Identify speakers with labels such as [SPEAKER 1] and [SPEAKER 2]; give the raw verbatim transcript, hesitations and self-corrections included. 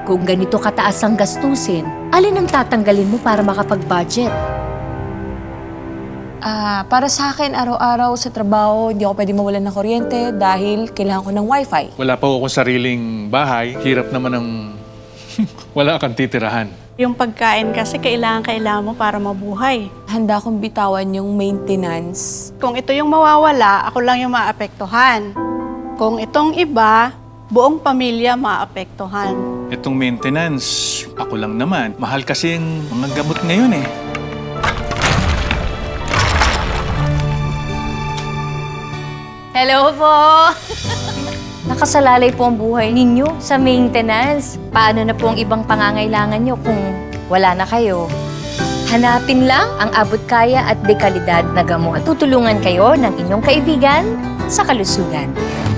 [SPEAKER 1] Kung ganito kataas ang gastusin, alin ang tatanggalin mo para makapag-budget?
[SPEAKER 2] Ah, para sa akin, araw-araw sa trabaho, hindi ako pwede mawalan ng kuryente dahil kailangan ko ng wifi.
[SPEAKER 3] Wala pa akong sariling bahay. Hirap naman ng wala kang titirahan.
[SPEAKER 4] Yung pagkain kasi kailangan-kailangan mo para mabuhay.
[SPEAKER 2] Handa akong bitawan yung maintenance.
[SPEAKER 4] Kung ito yung mawawala, ako lang yung maapektuhan. Kung itong iba, buong pamilya maapektuhan.
[SPEAKER 3] Itong maintenance, ako lang naman. Mahal kasi yung mga gamot ngayon eh.
[SPEAKER 1] Hello po! Nakasalalay po ang buhay ninyo sa maintenance. Paano na po ang ibang pangangailangan nyo kung wala na kayo? Hanapin lang ang abot kaya at dekalidad na gamot. Tutulungan kayo ng inyong kaibigan sa kalusugan.